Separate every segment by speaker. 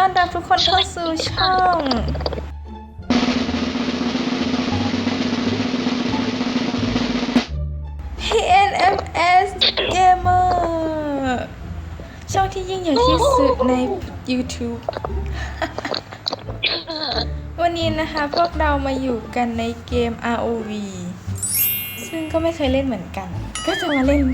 Speaker 1: อนรับทุกคนเข้าสู่ช่อง PNMS Gamer ช่องที่ยิ่งใหญ่ที่สุดใน YouTube วันนี้นะคะพวกเรามาอยู่กันในเกม ROV ซึ่งก็ไม่เคยเล่นเหมือนกัน ก็จะมาเล่น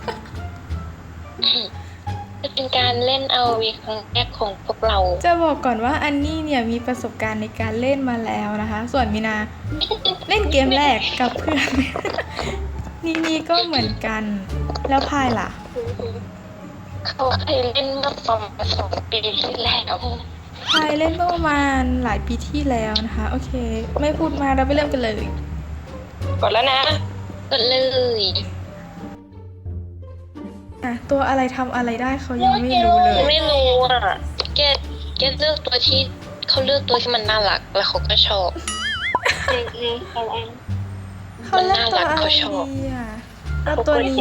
Speaker 2: เป็นการเล่น ROV ครั้งแรกของพวกเรา
Speaker 1: จะบอกก่อนว่าอันนี้เนี่ยมีประสบการณ์ในการเล่นมาแล้วนะคะ ส่วนมีนาเล่นเกมแรกกับเพื่อน นี่ก็เหมือนกัน แล้วพายล่ะ
Speaker 2: เขาเคยเล่นเมื่อประมาณ2 ปีที่แล้ว
Speaker 1: พายเล่นเมื่อประมาณหลายปีที่แล้วนะคะ โอเค ไม่พูดมาเราไปเริ่มกันเลย
Speaker 2: กดแล้วนะกดเลย
Speaker 1: ตัวอะไรทำอะไรได้เขายังไม่รู้เลย
Speaker 2: ไม่รู้อ่ะแกเลือกตัวที่เขาเลือกตัวที่มันน่ารักแล้วเขาก็ชอบ
Speaker 1: เขาเลือกตัวอะไรดีอ่ะเอาตัวนี้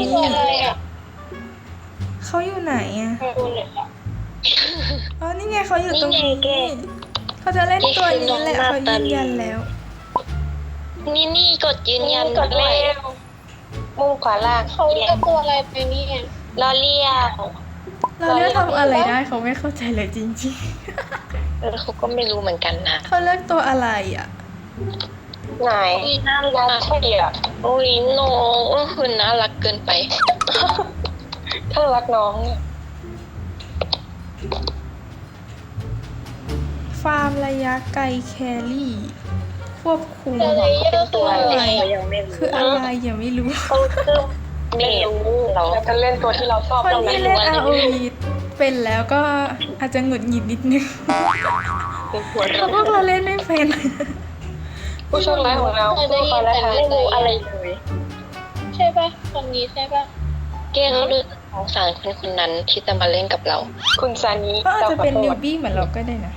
Speaker 1: เขาอยู่ไหนอ่ะอ๋อนี่ไงเขาอยู่ตรงนี้เขาจะเล่นตัวนี้แหละเขายืนยันแล้ว
Speaker 2: นี่กดยืนยันกดเลยมุมขวาล่าง
Speaker 3: เขาเลือกตัวอะไรไปเนี่ย
Speaker 2: ลอเลีย
Speaker 1: เราเลือกทำอะไรได้เขาไม่เข้าใจเลยจริง
Speaker 2: เขาก็ไม่รู้เหมือนกันนะ
Speaker 1: ๆเขาเลือกตัวอะไรอ่ะ
Speaker 2: ไหนน่ารักใช่อ่ะโอ้ยน้องคุณน่ารักเกินไป ถ้ารักน้องเนี่ย
Speaker 1: ฟาร์มระยะไกลแครี่ควบคุม
Speaker 3: อะไรเยอะตัวอะไร
Speaker 1: คืออะไรยังไม่รู้
Speaker 2: เขาคือไม่รู้เราจะเล่นตัวที่เราชอบ
Speaker 1: คนที่เล่น ROV เป็นแล้วก็อาจจะหงุดหงิดนิดนึงเพราะพวกเราเล่นไม่เป็น
Speaker 2: ผู้โชคร้ายของเราผู้ฟ้าและทางไม่รู้อะไรเลย
Speaker 3: ใช่ปะคนนี้ใช่ปะ
Speaker 2: แกเขาดูสงสารคนนั้นที่จะมาเล่นกับเรา คุณซานิ
Speaker 1: ก็อาจจะเป็นนิวบี้เหมือนเราก็ได้นะ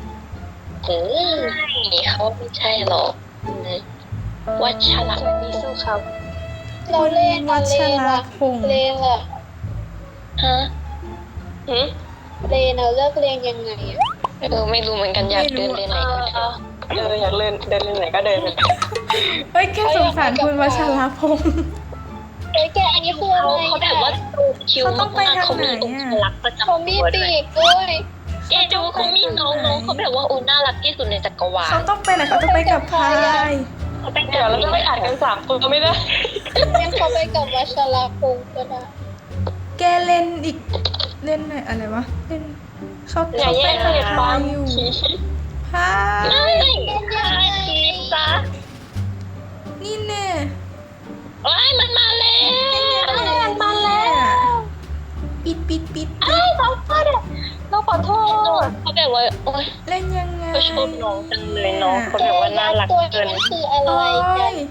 Speaker 2: เขาไม่ใช่หรอกวัชระนี่สู้เขา
Speaker 3: เราเล่น
Speaker 1: วัช
Speaker 3: เลน
Speaker 1: ร
Speaker 3: ล่ะ
Speaker 1: พงษ์
Speaker 3: เลนล่ะ
Speaker 2: ฮะ
Speaker 3: เลนเราเลือกเลนยังไงอ่ะ
Speaker 2: ไม่รู้เหมือนกันอยากเดินเล่นไหนก็เดินอยากเล่นเดินเล่นไหนก็เดิน
Speaker 1: เฮ้ยแค่สงสารคุณวัชรพงษ์
Speaker 3: เอ้ยแกอันนี้คืออะไร
Speaker 2: เขาแบบว่าคิวมากเขามีองค์ลักษณ์ประจำ
Speaker 3: เขามี
Speaker 2: ตัว
Speaker 3: ปี
Speaker 2: ด้วย
Speaker 3: กด้วย
Speaker 2: แกดูเขามีน้องเขาแบบว่าโอ้น่ารักที่สุดในจักรวาล
Speaker 1: เขาต้องไปไหนเขาต้องไปกับพาย
Speaker 2: เขาเป็นเดี๋ยวเราจะไม่อ่านกัน3 คนก็ไม่ได้
Speaker 3: ยังเขาไปกับวัชรพงศ์ก็ได้
Speaker 1: แกเล่นอีกเล่นไหนอะไรวะเล่นเขาไปกับพายอยู่พาย
Speaker 2: ชีซะ
Speaker 1: นี่แน่
Speaker 2: ว้ายมันมาแล้ว
Speaker 1: ปิด
Speaker 2: เราขอโทษเขาแบบว่าโอ๊ย
Speaker 1: เล่นยังไง
Speaker 2: เขาชอบน้องจังเลยน้องเขาแบบว่าน่ารัก
Speaker 3: ตัว
Speaker 2: เกิน
Speaker 3: นี้คืออะไร
Speaker 1: โอ้
Speaker 3: กัน
Speaker 1: ย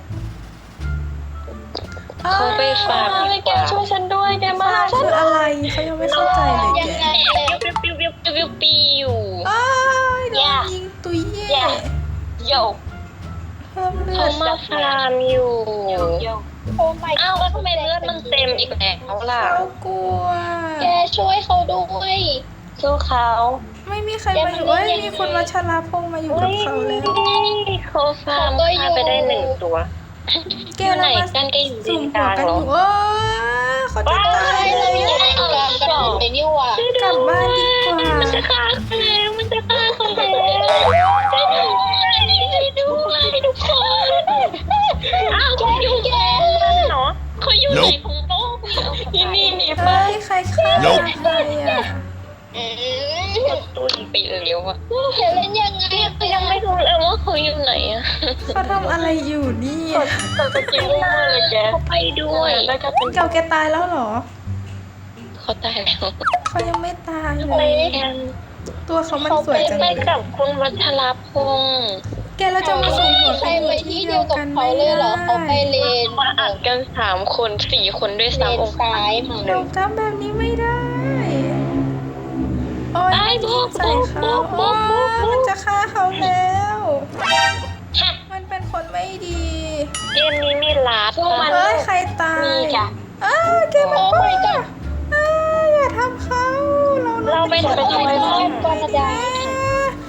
Speaker 2: เขาไปฝากแกช่วยฉันด้วยแกมา
Speaker 1: พายคืออะไรเขายังไม่เข้าใจเลย
Speaker 3: ยัง
Speaker 1: แก
Speaker 3: ไงเลย
Speaker 2: ปิ้ว
Speaker 1: อ้ายโดนยิงตุยเย่
Speaker 2: โย
Speaker 1: เพิ่มเลือ
Speaker 2: เขา
Speaker 1: ด
Speaker 2: มาฟาร์มอยู่
Speaker 3: โอ้ไม่
Speaker 2: อ้าวแล้วทำไมเลือดมันเต็มอีกแล้วล่ะ
Speaker 1: เขากลัว
Speaker 3: แกช่วยเขาด้วย
Speaker 2: สู้เขา
Speaker 1: ไม่มีใครมาอยู่เอ้ยมีคนวัชรพงษ์มาอยู่กับเขาแล้ว
Speaker 2: เขาฟาร์มฆ่าไปได้1 ตัว
Speaker 1: แก
Speaker 2: อยู่ไหน
Speaker 1: เรามา
Speaker 2: กันแกอยู่เล
Speaker 1: สุ่ม
Speaker 2: นก
Speaker 1: หัว
Speaker 2: ลาง
Speaker 1: กัน
Speaker 2: เหร
Speaker 1: อ
Speaker 2: อยู่
Speaker 1: โอ้ยเขาจะตาย
Speaker 3: เราอยู่
Speaker 1: แล้ว
Speaker 3: ในกลางกันอยู่ในนี่หว่ะ
Speaker 1: กลับบ้านดีกว่า
Speaker 2: มันจะฆ่าเขาแล้วมันจะฆ่าเขาแล้วช่วยด้วยทุกคนอ้าวเขาอยู่แกเนาะเขาอยู่ไหนของโลกนี่ไป
Speaker 1: เฮ้ยใครฆ่าใครอ่ะ
Speaker 2: ตัวไปเร็วอะ
Speaker 3: แกเล่นยังไง
Speaker 2: ยังไม่รู้เลยว่าเขาอยู่ไหนอะ
Speaker 1: เขาทำอะไรอยู่นี่
Speaker 2: จะกินมากเลยแกเขาไปด้วยแล้วก็เป็น
Speaker 1: เก่าแกตายแล้วเหรอ
Speaker 2: เขาตายแล้ว
Speaker 1: เขายังไม่ตายเล
Speaker 2: ไป
Speaker 1: ย
Speaker 2: กัน
Speaker 1: ตัวเขามันสวยจัง
Speaker 2: ไป
Speaker 1: เลย
Speaker 2: กับคุณวัชรพงษ์
Speaker 1: แกเราจะมาสุ่มหัว
Speaker 3: ใคร
Speaker 1: กันอ
Speaker 3: ไป
Speaker 1: ยู่ที่
Speaker 3: ที่
Speaker 1: เดี
Speaker 3: เดี
Speaker 1: ย
Speaker 3: ยว วกับ
Speaker 1: กัน
Speaker 3: เขา
Speaker 1: ไม่
Speaker 3: เลยเหร
Speaker 1: ได้
Speaker 3: อเขาไปเลน
Speaker 2: มาอัดกัน3 คน 4 คนด้วย
Speaker 3: เล
Speaker 2: ซ้ำ
Speaker 3: นซ้ายมั้ง
Speaker 1: เราทำแบบนี้ไม่ได้ โอ้ยยิงใส่เขาโอ้ยมันจะฆ่าเขาแล้ว มันเป็นคนไม่ดี
Speaker 2: เกมนี้มีลาบ
Speaker 1: เฮ้ยใครตาย
Speaker 2: มีจ้ะ
Speaker 1: อ้าวแกมัน
Speaker 3: โอ้
Speaker 1: บ้า
Speaker 3: my god
Speaker 1: อ้าวอย่าทำเขา
Speaker 2: เราไปทำไม
Speaker 3: โอ้ my god ปานาดา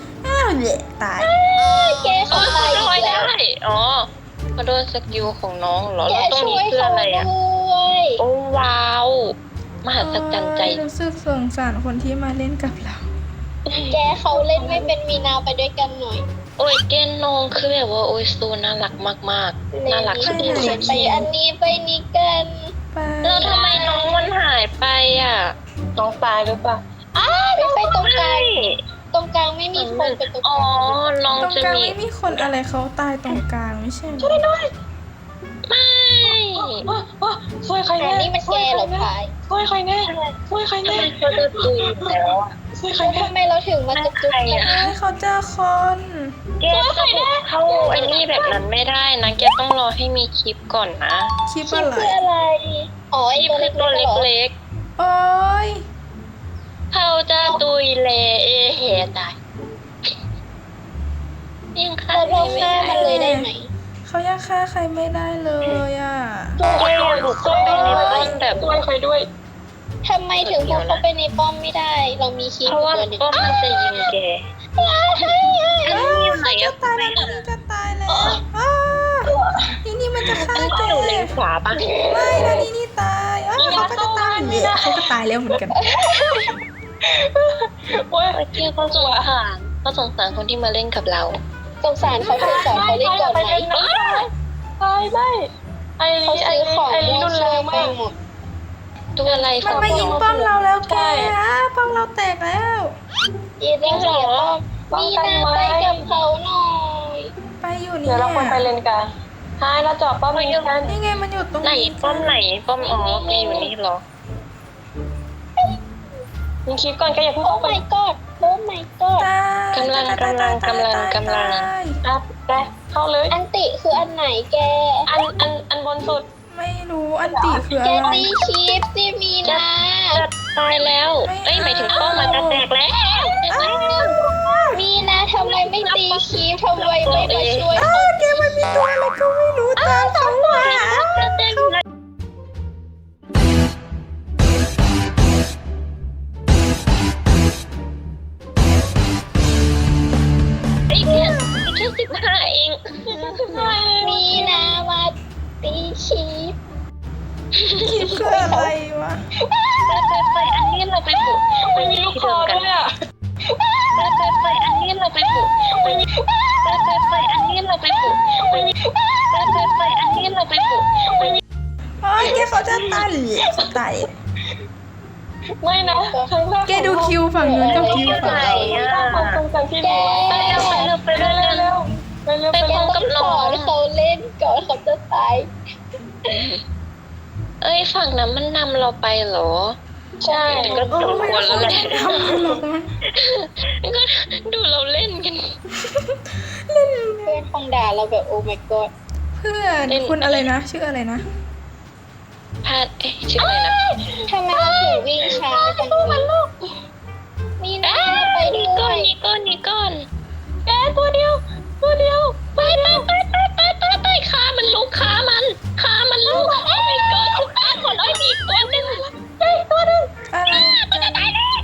Speaker 1: ตาย
Speaker 3: แก
Speaker 2: อ๋
Speaker 3: เขา
Speaker 2: อ
Speaker 3: ตาย
Speaker 2: ลอย
Speaker 3: อีกแล้ว
Speaker 2: ได้อ๋อเขาโดนสกิลของน้องเหรอ
Speaker 3: แก
Speaker 2: แล้วตรง
Speaker 3: ช่
Speaker 2: นี้
Speaker 3: วย
Speaker 2: คือ
Speaker 3: เขา
Speaker 2: อะไร
Speaker 3: ด้
Speaker 2: อ่ะ
Speaker 3: วย
Speaker 2: โอ้ว้าวมหัศจรรย์ใจ
Speaker 1: รู้สึกสงสารคนที่มาเล่นกับเรา
Speaker 3: แกเขาเล่นไม่เป็นมีนาไปด้วยกันหน่อย
Speaker 2: โอ้ยเกนน้องคือแบบว่าโอ้ยโซน่ารักมากๆน่ารักสุด
Speaker 1: ไปไหน
Speaker 2: ๆ
Speaker 3: ไปอันนี้ไปนี้กัน
Speaker 1: ไป
Speaker 2: แล้วทำไมน้องมันหายไปอ่ะน้องตายหรือเปล่า
Speaker 3: ไปตรงกลางตรงกลางไม่มีคนไปตรงก
Speaker 2: อ๋อ
Speaker 3: ลาง
Speaker 2: น้อง
Speaker 1: ตรง
Speaker 2: จะ
Speaker 1: กลาง
Speaker 2: มี
Speaker 1: ไม่มีคนอะไรเขาตายตรงกลางไม่ใช่เหรอ
Speaker 2: ไม่
Speaker 4: ช่วยใคร
Speaker 3: แต่
Speaker 4: แน่
Speaker 3: นี่มันแกเหรอพาย
Speaker 4: ช่วยใครแน่ช่วยใคร
Speaker 2: ทำ
Speaker 4: แน่
Speaker 2: ไมเขาจะตุยแล้วอ่ะ
Speaker 4: ช่วยใคร
Speaker 3: แล้ว
Speaker 4: แน่
Speaker 3: ทำไมเราถึงมาจุกจุก
Speaker 2: ใคร
Speaker 3: กัน
Speaker 2: อะ
Speaker 1: เฮ้ยเขาเจอคน
Speaker 2: แกจะบุกเข้าไอ้นี่แบบนั้นไม่ได้นะแกต้องรอให้มีคลิปก่อนนะ
Speaker 1: คลิป
Speaker 3: คิ
Speaker 1: อะ
Speaker 3: ด
Speaker 1: ไร
Speaker 3: เพื่ออะไร อ๋อ
Speaker 2: ค
Speaker 3: ไอ
Speaker 2: ลิป
Speaker 3: ตัว
Speaker 2: คือตัว
Speaker 3: เล็กๆเหรอ
Speaker 2: เล็ก
Speaker 1: โอ้ย
Speaker 2: ๆเขาจะตุยเลเอเหตายยังฆ่า
Speaker 3: เรา
Speaker 2: ไม่
Speaker 3: ฆ่า
Speaker 2: ได้
Speaker 3: มันเลยได้ไหม
Speaker 1: เขายังฆ่าใครไม่ได้เลยอ่ะ
Speaker 2: แกอย่าบุกเข้าไปในป้อมแบบ
Speaker 4: ช่วยใครด้วย
Speaker 3: ทำไมถึงพกเข้าไปในป้อมไม่ได้ เรามีคีย์
Speaker 2: เพราะว่า
Speaker 3: ตัวหนึ่ง
Speaker 2: ป้อมมันจะยิงแกอันนี้อยู่ไหนอะ
Speaker 1: ตายแล้วนี่จะตายแล้วอ้านี่มันจะฆ่า
Speaker 2: อัน
Speaker 1: แก
Speaker 2: นี้อยู่เลนขวาปะ
Speaker 1: ไม่นะนี่ตายเขาก็จะตายเนี่ยเขาก็ตายแล้วเหมือนกัน
Speaker 4: โอ้ย
Speaker 2: โอเคเขาสงสารเขาสงสารคนที่มาเล่นกับเรา
Speaker 3: สงสารเขาเถอะสอนเขาเล่นก่อนไหม
Speaker 4: ตายไม่ไอ้
Speaker 3: เขา
Speaker 4: ไอ้
Speaker 3: ซื้อของ
Speaker 4: ไอ้
Speaker 3: มั่ว
Speaker 4: รุนแร
Speaker 3: ซั่ว
Speaker 4: ง
Speaker 3: ไป
Speaker 4: มาก
Speaker 3: หมด
Speaker 2: ตัวอะไร
Speaker 1: มันมายิงป้อมเราแล้วแกป้อมเราแตกแล้ว
Speaker 3: ยีนแล้วเสียป้อมมีนาไปกับเขาหน่อย
Speaker 1: ไปอยู่นี่
Speaker 4: เดี๋ยวเราควรไปเลนกลางหายแล้วจอบป้อมยิงกัน
Speaker 1: นี่ไงมันอยู่ตรง
Speaker 2: ไหน
Speaker 1: นี้
Speaker 2: ป้อมไหนป้อมอ๋อแกอยู่นี่เหรอ
Speaker 4: ยิงคลิปก่อนแกอย่าเพิ่ง
Speaker 3: โอ้
Speaker 4: เข้าไป
Speaker 3: my god โอ้ my god
Speaker 1: ตาย
Speaker 2: กำลัง
Speaker 4: อ่ะแกเข้าเลย
Speaker 3: อันติคืออันไหนแก
Speaker 4: อันบนสุด
Speaker 1: ไม่รู้อันติคือ
Speaker 3: แก
Speaker 1: อะไร
Speaker 3: ตีคีฟสิมีนา
Speaker 2: จะตายแล้ว เอ้ยหมายถึงป้อมมันจะแตกแล้ว
Speaker 3: มีนาทำไมไม่ตีคีฟทำไมไม่มาช่วยเขา
Speaker 1: แกมันมีตัวอะไรก็ไม่รู้ตามเขามา
Speaker 2: จะแตกแล้วไอ้แค่15เอง
Speaker 3: มีนามาตีคีฟ
Speaker 1: คิดคืออะไรวะ
Speaker 2: ไปอันนี้เราไปบุก
Speaker 4: ไม่มีลูกคอด้วยอ่ะ
Speaker 2: ไปอันนี้เราไปบุกไปอันนี้เราไปบุกไปอันนี้เราไปบุก
Speaker 1: อ๋อแกเขาจะตายหรือเขาตาย
Speaker 4: ไม่นะครั้งแรก
Speaker 1: แกดูคิวฝั่งนู้นกับคิวฝั่งเรา
Speaker 4: ความทรงจำที่ดี
Speaker 2: ไปเร็ว
Speaker 4: เร็ว
Speaker 2: ไปเร็ว
Speaker 4: เร็ว
Speaker 3: แกต้องสอนเขาเล่นก่อนเขาจะตาย
Speaker 2: เอ้ยฝั่งนั้นมันนำเราไปเหรอ
Speaker 4: ใช่
Speaker 2: ก็
Speaker 1: โอ้
Speaker 2: สม
Speaker 1: ไม่
Speaker 2: ควรแล้วแหละ
Speaker 1: ทำหรอกมั้ง
Speaker 2: ก็ดูเราเล่นกัน
Speaker 3: เพื่อนคงด่าเราแบบโอ้ my god
Speaker 1: เพื่อนคุณอะไรนะ ชื่ออะไรนะ
Speaker 2: พลาดชื่ออะไรนะ
Speaker 3: ทำไมเราถึงวิ่งช้าจังเลยมีนาไปด้
Speaker 2: นี่
Speaker 3: ว
Speaker 2: ก้อน
Speaker 3: ย
Speaker 2: นี่ก้อนนี่ก้อนแกตัวเดียวไปขามันลุกขามันลุกโอ้ my god ทุกตาคนอ้อยมีตัวหนึ่ง
Speaker 1: อะไร
Speaker 2: มันจะตายแล้ว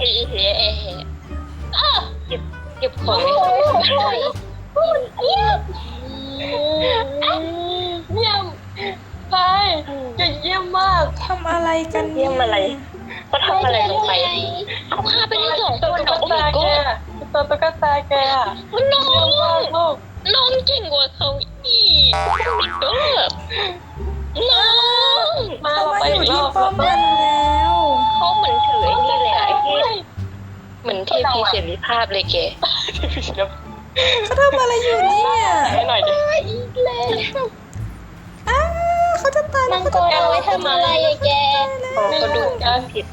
Speaker 2: เก็บของ
Speaker 3: โอ้ยเขาปล่อย
Speaker 4: เยี่ยมไปเยี่ยมมาก
Speaker 1: ทำอะไรกัน
Speaker 2: เยี่ยมอะไรเขาทำอะไรลงไปเขาฆ่าไปทั้งสองคน
Speaker 4: ตุ๊
Speaker 2: โอ้
Speaker 4: ก
Speaker 2: my
Speaker 4: ตาแก
Speaker 2: god
Speaker 4: ตัวตุ๊กตาแก
Speaker 2: น้อ
Speaker 4: เยี่ยมมาก
Speaker 2: ง
Speaker 4: ลูก
Speaker 2: น้องเก่งกว่าเขาอีกโอ้ my god น้อง
Speaker 4: มา
Speaker 1: เขา
Speaker 4: เรา
Speaker 1: มา
Speaker 4: ไป
Speaker 1: อยู่
Speaker 4: อีกร
Speaker 1: ที่
Speaker 4: อบ
Speaker 1: ป้อมมันแล้ว
Speaker 2: เขาเหมือนถือไอ้นี่เลยอะไอ้ที่เหมือนเทพีเสรีภาพเลยแก
Speaker 1: เขาทำอะไรอยู่เนี่ย
Speaker 4: ให้หน่อยดิ
Speaker 3: อีกแล้ว
Speaker 1: อ้าเขาจะตาย
Speaker 3: มังกรเอาไว้ทำอะไรอะแก
Speaker 2: เขาดูการผิด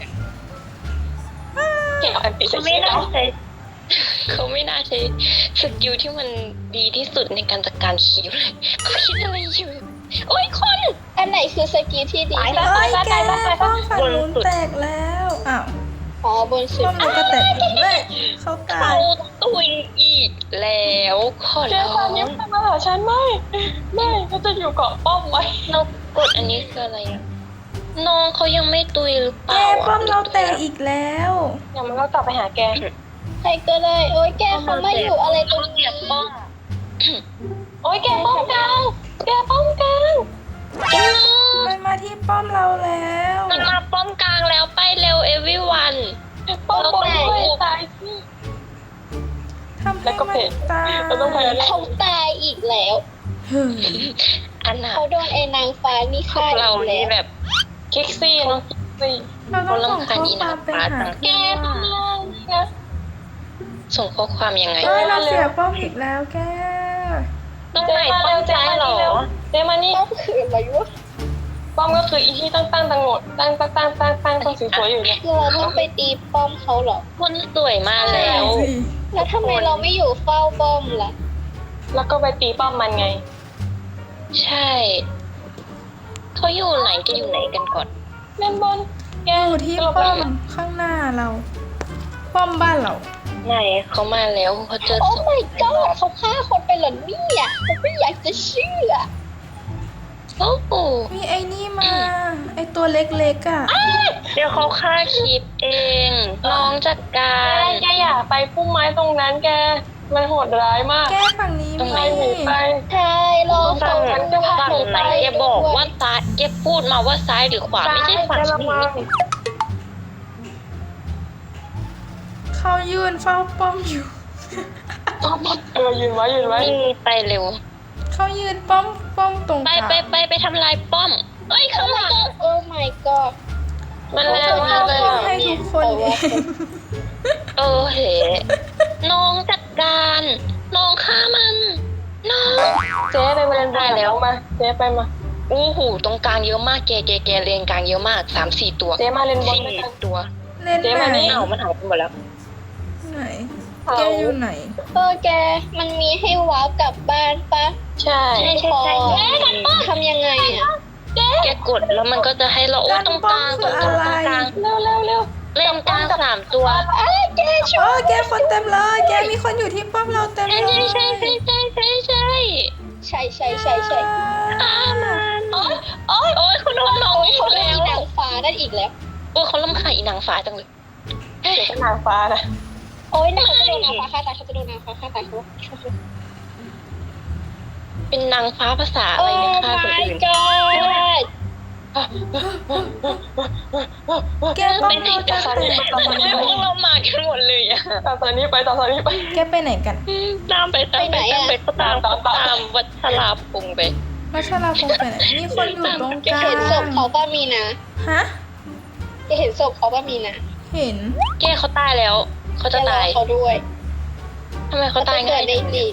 Speaker 4: เก่งอันติ
Speaker 2: เขาไม่น่าใช้เขาไม่น่าใช้สกิลที่มันดีที่สุดในการจัดการคิวเลยเขาคิดอะไรอยู่โอ้ยคน
Speaker 3: อันไหนคือสกิลที่ดีที่สุด
Speaker 1: เอ้ยแกป้อมฝั่งนู้นแตกแล้วอ้าว
Speaker 3: อ๋อบนสุด
Speaker 1: ป้อมนู้นก็แตกเลยเขาตา
Speaker 2: เขา
Speaker 1: ย
Speaker 2: ตุยอีกแล้วขอ
Speaker 4: แก
Speaker 2: ร้อ
Speaker 4: ตอนนี้
Speaker 2: ง
Speaker 4: มาหาฉันไม่ก็จะอยู่เกาะป้อมไว้
Speaker 2: เรากดอันนี้คืออะไรอะน้องเขายังไม่ตุยหรือเป
Speaker 1: แก
Speaker 2: ล่า
Speaker 1: ป้อมเราแตกอีกแล้ว
Speaker 4: เดี๋ยวมันก็กลับไปหาแก
Speaker 3: ใครก็ได้โอ้ยแกเขามาอยู่อะไรตรง
Speaker 2: เสี
Speaker 3: นี้
Speaker 2: ยบป้อง
Speaker 4: โอ้ยแกป้อมกลางแกป้อมกลาง
Speaker 1: มันมาที่ป้อมเราแล้ว
Speaker 2: มันมาป้อมกลางแล้วไปเร็ว everyone
Speaker 4: ป้อมป้อมด้วยตายสิ
Speaker 1: ทำให้มันตาย
Speaker 4: เราต้องพยายาม
Speaker 3: เขาตายอีกแล้ว
Speaker 1: เฮ้ย
Speaker 2: อันน่ะ
Speaker 3: เขาโดนไอ้นางฟ้านี่
Speaker 2: พว
Speaker 3: ฆ่าก อี
Speaker 2: เรา
Speaker 3: กแล้
Speaker 2: นี่
Speaker 3: ว
Speaker 2: แบบ
Speaker 4: คิกซี่เนาะคิกซี่
Speaker 1: เราต้องส่งข้อความไปหา
Speaker 4: แกป้อมล่างนะ
Speaker 2: ส่งข้อความยังไง
Speaker 1: เฮ้ยเราเสียป้อมอีกแล้วแก
Speaker 2: ต้องไหนป้อมซ้ายเหรอ
Speaker 4: เจมานี่
Speaker 3: ป้อมคืออะไรวะ
Speaker 4: ป้อมก็คืออีที่ตั้งตั้งหมดตั้งตรงสวยๆอยู่เนี่ย
Speaker 3: คือเราต้องไปตีป้อมเขาเหรอ
Speaker 2: คนสวยมาแล้ว
Speaker 3: แล้วทำไมเราไม่อยู่เฝ้าป้อมล่ะ
Speaker 4: แล้วก็ไปตีป้อมมันไง
Speaker 2: ใช่เขาอยู่ไหนจะอยู่ไหนกันก่อน
Speaker 4: เล่นบอลแก
Speaker 1: อยู่ที่ป้อมข้างหน้าเรา ป้อมบ้านเรา
Speaker 2: ไหนเขามาแล้วเขาเจอ
Speaker 3: โอ้
Speaker 2: ศพ
Speaker 3: my god เขาฆ่าคนไปเหรอเนี่ยผมไม่อยากจะเชื่อ
Speaker 2: โอ้โห
Speaker 1: มีไอ้นี่มา ไอ้ตัวเล็กๆอ่ะ
Speaker 2: เดี๋ยวเขาฆ่าคลิปเอง น้องจัดการ
Speaker 4: แกอย่าไปพุ่มไม้ตรงนั้นแกมันโหดร้ายมาก
Speaker 1: แกฝั่งนี้
Speaker 2: ตรง
Speaker 1: มี
Speaker 2: ไหน
Speaker 4: หนีไป
Speaker 3: ใช่รอ
Speaker 2: ฝั่
Speaker 3: เขา
Speaker 2: ง
Speaker 3: มัน
Speaker 2: ฝั่งไหนแกบอกว่าซ้ายแกพูดมาว่าซ้ายหรือขวาไม่ใช่ฝั่ง
Speaker 4: ระ
Speaker 2: นี้
Speaker 4: วัง
Speaker 1: เขายืนเฝ้าป้อมอยู่
Speaker 4: ยืนไว้
Speaker 2: นี่ไปเร็ว
Speaker 1: เขายืนป้อมตรงก
Speaker 2: ไป
Speaker 1: ลาง
Speaker 2: ไปทำลายป้อมเอ้ยข้างหลัง
Speaker 3: โอ้ my god
Speaker 4: มันแรงมากเลย
Speaker 1: ป้อม
Speaker 4: อะ
Speaker 1: ให้ทุกคนเอง
Speaker 2: เออเหน้องจัดการน้องฆ่ามันน้อง
Speaker 4: เจ๊เลยมาเล่นบอลแล้วมาเจ๊ไปมา
Speaker 2: อู้หูตรงกลางเยอะมากแกเลนกลางเยอะมาก3-4 ตัว
Speaker 4: เจ๊มาเล่นบอล
Speaker 2: สี่ตัว
Speaker 1: เล่น
Speaker 4: เจ๊
Speaker 1: ไหน
Speaker 4: มานี่
Speaker 2: อ้าวมันหายไปหมดแล้ว
Speaker 1: ไหน แกอยู่ไหน
Speaker 3: แกมันมีให้ว้าวกลับบ้านปะ
Speaker 4: ใช่
Speaker 2: ใช่
Speaker 3: ทำยังไงอ่ะ
Speaker 2: แกกดแล้วมันก็จะให้เราโอ้ตรงกลางตรงกลาง
Speaker 4: เร็ว
Speaker 2: เล่นกลาง3 ตัว
Speaker 3: แกช่วย
Speaker 1: แกคนเต็มเลย แกมีคนอยู่ที่ป้อมเราเต็ม
Speaker 2: ใช่
Speaker 1: เลย
Speaker 2: ใช่
Speaker 3: ใช่
Speaker 2: ฆ่ามันโอ้ยคุณโดนน้องอี
Speaker 3: เขา
Speaker 2: ก
Speaker 3: โดน
Speaker 2: แล้
Speaker 3: อี
Speaker 2: ว
Speaker 3: นางฟ้านั่นอีกแล้ว
Speaker 2: โอ้ยเขาลำคาญอีนางฟ้าจังเลย
Speaker 4: เจ๊เป็นนางฟ้านะ
Speaker 3: โอ้ยนางเขาจะโดนนางฟ้าฆ่าตายเขาจะโดนนางฟ้าฆ่าตายเขา
Speaker 2: เป็นนางฟ้าภาษาอะ
Speaker 3: โอ้
Speaker 2: ไรเนี่ยฆ่าคน
Speaker 3: my
Speaker 2: อื่น
Speaker 3: god
Speaker 1: แกป้อม
Speaker 2: เป็น
Speaker 1: เรา
Speaker 2: เด็ก
Speaker 1: จะ
Speaker 2: ภาษา
Speaker 1: แตก
Speaker 2: พวกเรามากันหมดเลยอะ
Speaker 4: ต่อตอนนี้ไป
Speaker 1: แกไปไหนกัน
Speaker 2: ตามไปก็ตามวัชราพงษ์ไป
Speaker 1: วัชราพงษ์ไปไหน มีคนอยู่ตรงกลาง
Speaker 3: เห็นศพเขาป่ะมีนะ
Speaker 1: ฮะ
Speaker 3: จะเห็นศพเขาป่ะมีนะ
Speaker 1: เห็น
Speaker 2: แกเขาตายแล้ว เขาจะตาย
Speaker 3: เขาด้วย
Speaker 2: ทำไมเขาตาย
Speaker 3: เกิ
Speaker 2: ง่า
Speaker 3: ด
Speaker 2: ย
Speaker 3: ใน
Speaker 2: จัง
Speaker 3: สี่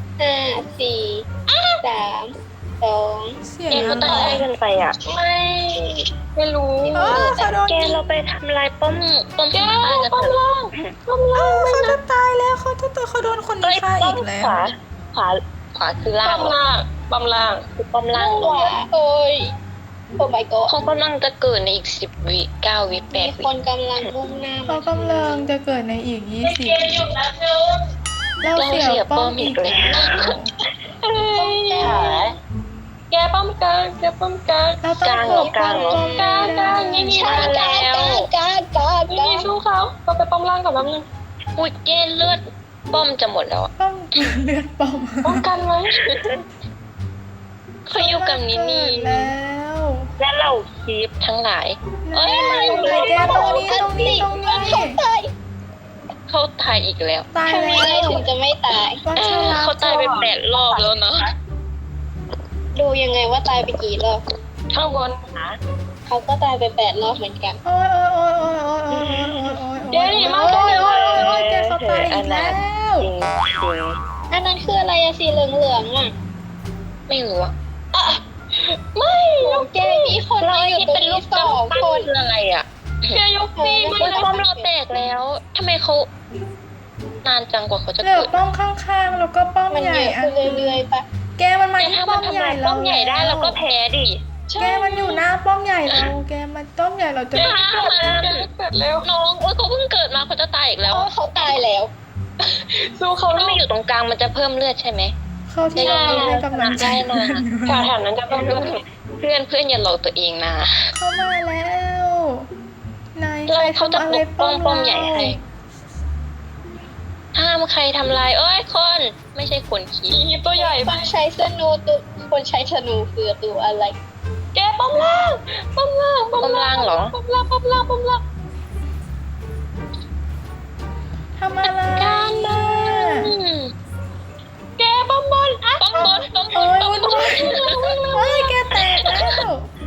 Speaker 3: 5 4 3 2
Speaker 1: เสียง
Speaker 2: แก
Speaker 1: อะ
Speaker 2: เขา
Speaker 1: ไร
Speaker 2: ตายง่ายเกินไปอ่ะ
Speaker 4: ไม่รู้
Speaker 1: เขาโดน
Speaker 2: แก
Speaker 1: ยิง
Speaker 2: เราไปทำลายป้อมตายกันเถอะ
Speaker 1: เขาจะตายแล้วเขาโดนคนนี้ฆ่าอีกแล้ว
Speaker 2: ขวาคือล่า
Speaker 4: ป้
Speaker 2: ง
Speaker 4: อมล่างป้อมล่าง
Speaker 2: คือป้อมล่าง
Speaker 3: ขวาโอ้ยโอ้ my god
Speaker 2: เขากำลังจะเกิดในอีก10 วิ9 วิ
Speaker 3: มี
Speaker 2: 8
Speaker 3: ค
Speaker 2: วิ
Speaker 3: นกำลังมุ่งหน้า
Speaker 1: เขา
Speaker 3: มาก
Speaker 1: ำลังจะเกิดในอีก20เรา
Speaker 2: เรา
Speaker 1: เสี
Speaker 2: เสี
Speaker 1: ย
Speaker 2: ย
Speaker 1: ป้
Speaker 2: ป้
Speaker 1: อ
Speaker 2: อ
Speaker 1: ม
Speaker 2: ม
Speaker 1: อี
Speaker 2: อี
Speaker 1: ก
Speaker 2: ก
Speaker 1: แล้
Speaker 2: แล้ว ว
Speaker 4: แกป้อมกลาง
Speaker 1: เราต้องปกป้องป้อม
Speaker 4: กลาง
Speaker 2: นี่
Speaker 3: กา
Speaker 2: มาแล้ว
Speaker 4: นี่สู้เขาเราไปป้อมล่างก่อนแป๊บนึง
Speaker 2: อุ้ยแกเลือดป้อมจะหมดแล้วอะ
Speaker 1: ป้อมเลือดป้อม
Speaker 4: ป้องกันไว้
Speaker 2: เขาอยู่กับนินี่
Speaker 1: แล้ว
Speaker 2: และเราคลิปทั้งหลาย เอ้ยมา
Speaker 1: แกตรงนี้
Speaker 3: เขาตาย
Speaker 2: เขาตายอีกแล้ว
Speaker 1: ตาย
Speaker 3: ทำ
Speaker 1: แล้
Speaker 3: ยังไง
Speaker 1: ว
Speaker 3: ถึงจะไม่ตาย
Speaker 1: วัชรา
Speaker 2: เขาตายไป8 รอบแล้วนะ
Speaker 3: ดูยังไงว่าตายไปกี่รอบ
Speaker 4: ข้างบน
Speaker 3: เขาก็ตายไป8 รอบเหมือนกัน
Speaker 1: โอ้ยแกเขาตายอีกแล้ว
Speaker 2: จริง
Speaker 3: อันนั้นคืออะไรอะสีเหลืองๆอะ
Speaker 2: ไม่รู้อะ
Speaker 3: ไม่แกมีคน
Speaker 2: เรา
Speaker 3: มาอยู่
Speaker 2: ที่
Speaker 3: ตร
Speaker 2: เป็
Speaker 3: ง
Speaker 2: นรู
Speaker 3: นี้
Speaker 2: ป
Speaker 3: 2 คน
Speaker 2: คืออะไรอะ
Speaker 4: แกยกตีมัน
Speaker 2: อุ้ยป้อมเราแตกแล้วทำไมเขานานจังกว่าเขาจะ
Speaker 1: เหลือ
Speaker 2: เกิด
Speaker 1: ป้อมข้างๆแล้วก็ป้อม
Speaker 3: มัน
Speaker 1: ใหญ่
Speaker 3: เยอะ
Speaker 1: อัน
Speaker 3: ขึ้นเรื่อยๆปะ
Speaker 1: แกมันมา
Speaker 2: แต่
Speaker 1: ที่
Speaker 2: ถ้า
Speaker 1: ป้
Speaker 2: มั
Speaker 1: อน ม
Speaker 2: ทำ
Speaker 1: ใหญ่
Speaker 2: ลาย
Speaker 1: เรา
Speaker 2: ป้อมใหญ่ได้เราก็แพ้ดิ
Speaker 1: แกมันอยู่หน้าป้อมใหญ่เราแกมันป้อมใหญ่เราจะ
Speaker 2: ฆ่ามัน
Speaker 4: เกิดเร็ว
Speaker 2: น้องโอ้ยเขาเพิ่งเกิดมาเขาจะตายอีกแล้ว
Speaker 3: เขาตายแล้ว
Speaker 4: สู้เขา
Speaker 2: ถ้า
Speaker 4: ลู
Speaker 2: ไม่
Speaker 4: ก
Speaker 2: อยู่ตรงกลางมันจะเพิ่มเลือดใช่ไหม
Speaker 1: เข้าที่เราให้กำลังใจ
Speaker 2: ได้นะ
Speaker 4: แถวนั้นจะต้อง
Speaker 2: เพื่อนอย่าหลอกตัวเองนะ
Speaker 1: เข้ามาแล้วนาย
Speaker 2: เราเขาจะ
Speaker 1: ทำอะไร
Speaker 2: ปกป้องป้อมใหญ่ให้ห้ามใครทำลายเอ้ยคนไม่ใช่คนขี้
Speaker 4: อีฮีตัวใหญ่
Speaker 3: ค
Speaker 4: ปะ
Speaker 3: นใช้ธนูตัวคนใช้ธนูคือตัวอะไร
Speaker 4: แกป้อมล่างป้อมล่าง
Speaker 2: ป้อมล่างเหรอ
Speaker 4: ป้อมล่างป้อมล่างป้อมล่าง
Speaker 1: ทำอะไร
Speaker 2: การนะ
Speaker 4: แกป้อมบนอ่ะ
Speaker 2: ป้อมบนป้อมบ
Speaker 1: เอ้
Speaker 2: น
Speaker 1: ย
Speaker 2: ป้อม
Speaker 1: วุ่น
Speaker 2: บ
Speaker 1: วาย
Speaker 2: น
Speaker 1: เฮ้ยแกแตกแล้ว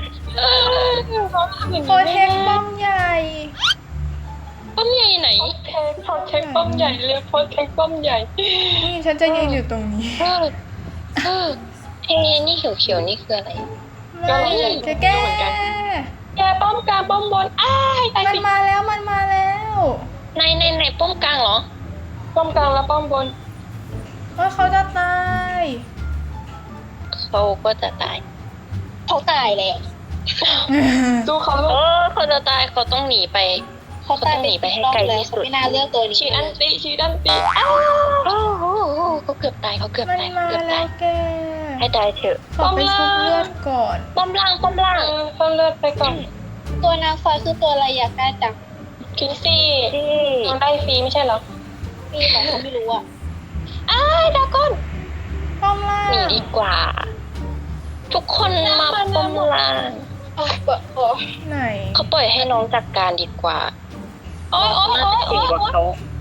Speaker 1: โคเทคป้อมใหญ่
Speaker 2: ป้อมใหญ่ไหน
Speaker 4: พอเช็คป้อมใหญ่เลยพอเช็คป้อมใหญ่
Speaker 1: นี่ฉันจะยืนอยู่ตรงนี้
Speaker 2: เอ้นี่เขียวๆนี่คืออะไร
Speaker 1: ไม่แก
Speaker 4: แกป้อมกลางป้อมบนอ้ายตาย
Speaker 1: มัน
Speaker 4: สิ
Speaker 1: มาแล้วมันมาแล้ว
Speaker 2: ในป้อมกลางเหรอ
Speaker 4: ป้อมกลางแล้วป้อมบน
Speaker 1: เฮ้ยเขาจะตาย
Speaker 2: เขาก็จะตาย
Speaker 3: เขาตายแล้ว
Speaker 4: ดูเขาลู
Speaker 2: โอ้
Speaker 4: ก
Speaker 2: เขาจะตายเขาต้องหนีไป
Speaker 3: เขาตาย
Speaker 2: หนีไปให้ไกลที่สุด
Speaker 3: ไม่น่าเลือกตัวนี้
Speaker 4: ชีอันตีชีอันตีอ้าว
Speaker 2: โอ้โหเขาเกือบตายเขาเกือบ
Speaker 1: มัน
Speaker 2: ตาย
Speaker 1: มา
Speaker 2: เขาเกือบ
Speaker 1: แล้
Speaker 2: ตายว
Speaker 1: แก
Speaker 2: ให้ตายเถอะ
Speaker 1: ขอไปชุบเลือดก่อน
Speaker 2: ป้อมล่างป้อมล่าง
Speaker 4: เพิ่มเลือดไปก่อน
Speaker 3: ตัวนางฟ้าคือตัวอะไรอยากได้จัง
Speaker 4: คินซี่
Speaker 2: ที่
Speaker 4: มันได้ฟรีไม่ใช่เหรอ
Speaker 3: พี่เหรอเขาไม่รู้อ่ะ
Speaker 4: อ้ายดราก้อน
Speaker 1: ป้อมล่า
Speaker 2: หนี
Speaker 1: ง
Speaker 2: ดีกว่า ทุกคนมาป้อมล่าง
Speaker 3: เอาเปิดโอ้
Speaker 1: ไหน
Speaker 2: เขาปล่อยให้น้องจัดการดีกว่า
Speaker 4: โอ้ยโอ้ย
Speaker 2: น่า
Speaker 4: โอ้ย
Speaker 2: จะ
Speaker 4: โอ้
Speaker 2: เก่ง
Speaker 4: ย
Speaker 2: กว่าเขา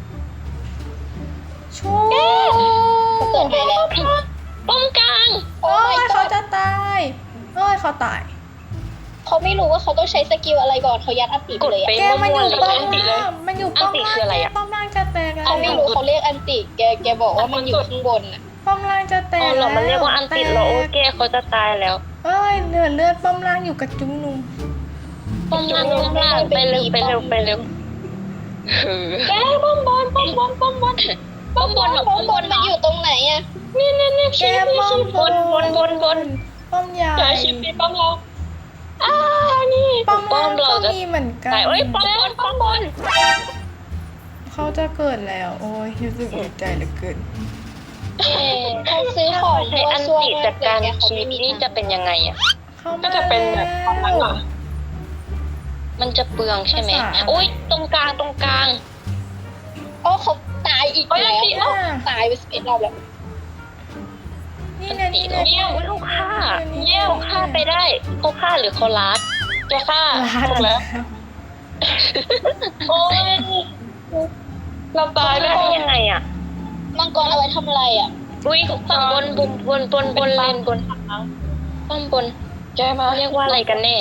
Speaker 1: ชู
Speaker 3: เขาเกิดใหม่แล้ว
Speaker 2: ป้อมกลาง
Speaker 3: โอ้
Speaker 1: โอ้
Speaker 3: ย
Speaker 1: ยเขาจะตายเอ้ยเขาตาย
Speaker 3: เขาไม่รู้ว่าเขาต้องใช้สกิลอะไรก่อนเขายัดอันติไปเลย
Speaker 2: กดไป
Speaker 3: อะ
Speaker 1: แกมันอยู่ป้อมล่างมันอยู่ป้อม
Speaker 2: อันติ
Speaker 1: ล่าง
Speaker 2: คืออะไรอะ
Speaker 1: ป้อมล่างจะแตกแล้ว
Speaker 3: เขาไม่รู้เขาเรียกอันติแกบอกว่ามันอยู่ข้างบนอ่ะ
Speaker 1: ป้อมล่างจะแต
Speaker 2: อ๋
Speaker 1: ก
Speaker 2: อเหรอมันเรียกว่าอันติดเหรอโอเคเขาจะตายแล้ว
Speaker 1: เอ้ยเหลือเลือดป้อมล่างอยู่กับจุ้งนุง
Speaker 2: ป้อมล่างป้อมล่างไปเร็วไปเร็วไปเร็ว
Speaker 4: แกป้อมบนป้อมบนป้อมบน
Speaker 2: ป้อมบนเหรอป้อมบน
Speaker 3: มันอยู่ตรงไหนอ่ะ
Speaker 4: นี่นี่นี่
Speaker 1: แกป้อม
Speaker 2: บน
Speaker 1: ป้อมใหญ่
Speaker 4: อย่าคิดตีป้อมเราอ้านี่
Speaker 1: ป้อมล่างก็มีเหมือนกัน
Speaker 2: ตายเอ้ยป้อมบนป้อมบน
Speaker 1: เขาจะเกิดแล้ว โอ้ยรู้สึกดีใจเหลือเกิน
Speaker 3: เขาซื้อของ
Speaker 2: ใช้อัน
Speaker 3: ซัว
Speaker 2: ติ
Speaker 3: ๆ
Speaker 2: จัดการ
Speaker 3: แกเขา
Speaker 2: คี
Speaker 3: ไม่
Speaker 2: ป
Speaker 3: มี
Speaker 2: นี่จะเป็นยังไงอ่ะ
Speaker 1: เข้า
Speaker 4: ก็
Speaker 1: มา
Speaker 4: จะเป็นแบบประมาณนั้นเหรอ
Speaker 2: มันจะเปลืองใช่ไหมโอ้ยตรงกลางตรงกลาง
Speaker 3: โอ้เขาตายอีก
Speaker 4: โอ้ยอั
Speaker 3: แล้
Speaker 4: น
Speaker 3: ว
Speaker 4: ติเอ้า
Speaker 3: ตายไป11 รอบแล้ว
Speaker 1: นี่ไงนี่ไง
Speaker 2: เยี่ยมเขาฆ่าเขาฆ่าไปได้เขาฆ่าหรือเขาลัด
Speaker 4: แกฆ่า
Speaker 1: ลาด
Speaker 4: ถูก
Speaker 1: แล้
Speaker 4: แล้ว ว โอ้ยเราตายแล้ว
Speaker 2: ได้ยังไงอ่ะ
Speaker 3: มังกรเอาไว้ทำอะไรอ่ะ
Speaker 2: อุ้ยฝั่งบนเลนบนป้อมบน
Speaker 4: แกมา
Speaker 2: เรียกว่าอะไรกันแน่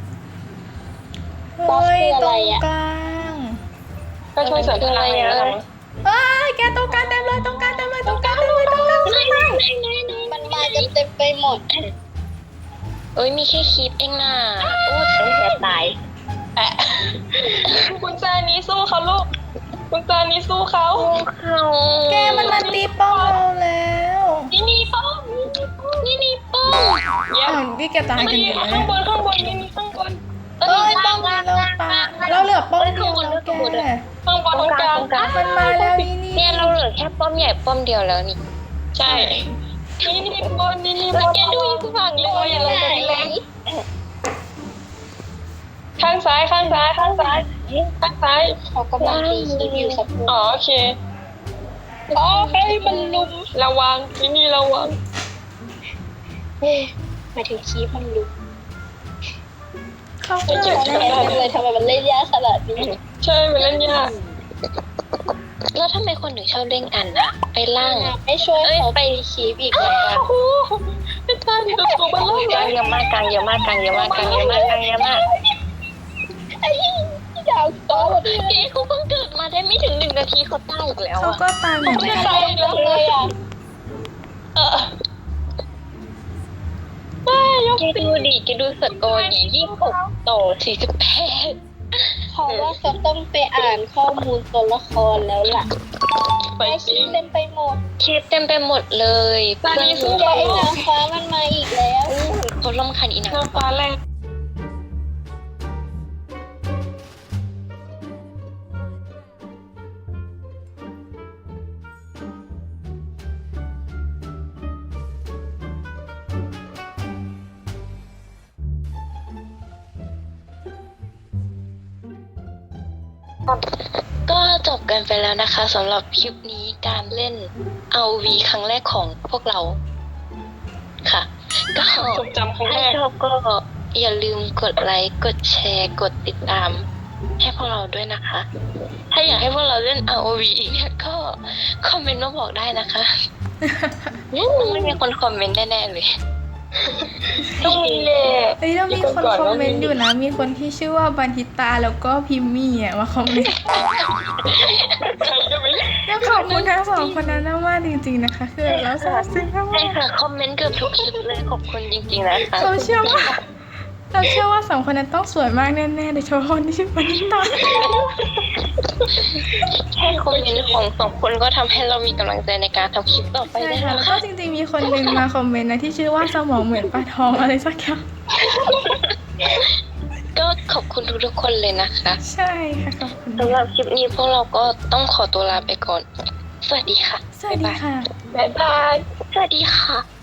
Speaker 1: เฮ้ยตรงกลาง
Speaker 4: ก็ช่วยเสริมพลังเลยนะ
Speaker 1: เอ้ยแกตรงกลางเต็มเลยตรงกลางเต็มเลยตรงกลางเต็มเลยตรงกลางเต็มเลย
Speaker 3: มันมากันเต็มไปหมด
Speaker 2: เอ้ยมีแค่คลิปเองน่ะโอ้ยเสียตาย
Speaker 4: แอะคุณจานี้สู้เขาลูก คุณจานี้สู้เขา
Speaker 2: เขา
Speaker 1: แกมันมาตีป้อมเราแล้ว
Speaker 4: นี่ป้อม
Speaker 2: นี่ป้อม
Speaker 4: เยี่ย
Speaker 1: อ้าว
Speaker 4: ม
Speaker 1: นี่แกตายกันอยู่แล้ว
Speaker 4: ข้างบนข้างบนนี่ข้างบน
Speaker 1: เอ้ยป้อมนี้เราตายเราเหลือป้อมเดียวแล้วแก
Speaker 4: ข้างบนตรงกลาง
Speaker 1: มันมาแล้วนี่นี่
Speaker 2: เนี่ยเราเหลือแค่ป้อมใหญ่ป้อมเดียวแล้วนี่
Speaker 4: ใช่ นี่บนนี่บน
Speaker 2: แกดูอีกฝั่งเลย
Speaker 4: อะไรกันแรงข้างซ้ายข้างซ้ายข้างซ้ายข้างซ้าย
Speaker 3: เขากำลังตีคีบอยู่สักครู่
Speaker 4: อ๋อโอเค
Speaker 3: อ๋อให้มันลุม
Speaker 4: ระวังที่นี่ระวัง
Speaker 3: หมายถึงคีบมันลุม
Speaker 1: เขา
Speaker 4: ไม่
Speaker 1: เกิ
Speaker 4: เกี่ยว
Speaker 1: ด
Speaker 4: กับ
Speaker 1: แล้ว
Speaker 3: เลยทำไมมันเล่นยากขนาดนี้
Speaker 4: ใช่มันเล่นยาก
Speaker 2: แล้วทำไมคนถึงชอบเล่นกันอะไปล่าง
Speaker 3: ไม่ช่วย
Speaker 2: เอ้ย
Speaker 3: เขา
Speaker 2: ไป
Speaker 3: ไปคีบอีกแล้ว
Speaker 4: โอ้โหไม่ทันตัวมันล่ม
Speaker 2: กลางเยอะมากกลางเยอะมากกลางเยอะมากกลางเยอะมากกลางเยอะมาก
Speaker 3: ไอ้ดาวโตหมด
Speaker 2: เจ๊เขาเพิ่งเกิดมาได้ไม่ถึง1 นาทีเขาตายอีกแล้ว
Speaker 1: เขา
Speaker 2: อะ
Speaker 1: ก็ตายเหมือน
Speaker 4: ไม่
Speaker 1: กัน
Speaker 4: ตายแล้ว
Speaker 3: เลยอ่ะ
Speaker 4: ไม่ยก
Speaker 2: แกดูดิแกดูสกอร์ดิ26 ต่อ 48
Speaker 3: เพราะว่าเขาต้องไปอ่านข้อมูลตัวละครแล้วล่ะ
Speaker 4: ไป
Speaker 3: ไอ้
Speaker 4: จริ
Speaker 3: คี
Speaker 4: ง
Speaker 3: บเต็มไปหมด
Speaker 2: คลิปเต็มไปหมดเลย
Speaker 4: ตอนนี้สู้
Speaker 3: แกไอ้นางฟ้ามันมาอีกแล้ว
Speaker 2: เขาลำคันอีนัง
Speaker 4: น้ำฟ้าแรง
Speaker 2: ก็จบกันไปแล้วนะคะสำหรับคลิปนี้การเล่น RV ครั้งแรกของพวกเราค่ะ ก็
Speaker 4: จดจำครั้งแร
Speaker 2: ถ้าก ชอบก็อย่าลืมกดไลค์กดแชร์กดติดตามให้พวกเราด้วยนะคะ ถ้าอยากให้พวกเราเล่น ROV อีกเนี่ยก็คอมเมนต์มาบอกได้นะคะต้องไม่มีคนคอมเมนต์แน่ๆเลย
Speaker 4: ต้องมีแหละ
Speaker 1: เฮ้ยเรามีคนคอมเมนต์อยู่นะ มีคนที่ชื่อว่าบันทิตาแล้วก็พิมมี่อ่ะมาคอมเมนต์
Speaker 4: ใครจะไม่รู้
Speaker 1: ก็ขอบคุณทั้งสองคนนั้นมากจริงๆนะคะ คือเราซาบซึ้งมา
Speaker 2: ใช่
Speaker 1: ก
Speaker 2: ค่ะ คอมเมนต์เกือบทุกคลิปเลยขอบคุณจริงๆนะคะ
Speaker 1: เราเชื่อว่าสองคนนั้นต้องสวยมากแน่ๆโดยเฉพาะคนที่ชื่อบันทิตา
Speaker 2: แค่คอมเมนต์ของสองคนก็ทำให้เรามีกำลังใจในการทำคลิปต่อไป
Speaker 1: ใช่
Speaker 2: ได้
Speaker 1: ค่ะ
Speaker 2: แล้
Speaker 1: แล้ว วก็
Speaker 2: ค่ะ
Speaker 1: จริงๆมีคนหนึ่งมาคอมเมนต์นะที่ชื่อว่าสมองเหมือนปลาทองอะไรสักอย่าง
Speaker 2: ก็ขอบคุณทุกๆคนเลยนะคะ
Speaker 1: ใช่ค่ะขอบคุณ
Speaker 2: สำหรับคลิปนี้พวกเราก็ต้องขอตัวลาไปก่อน สวัสดีค่ะ
Speaker 1: สวัสดีค่ะ
Speaker 4: บ๊ายบาย
Speaker 2: สวัสดีค่ะ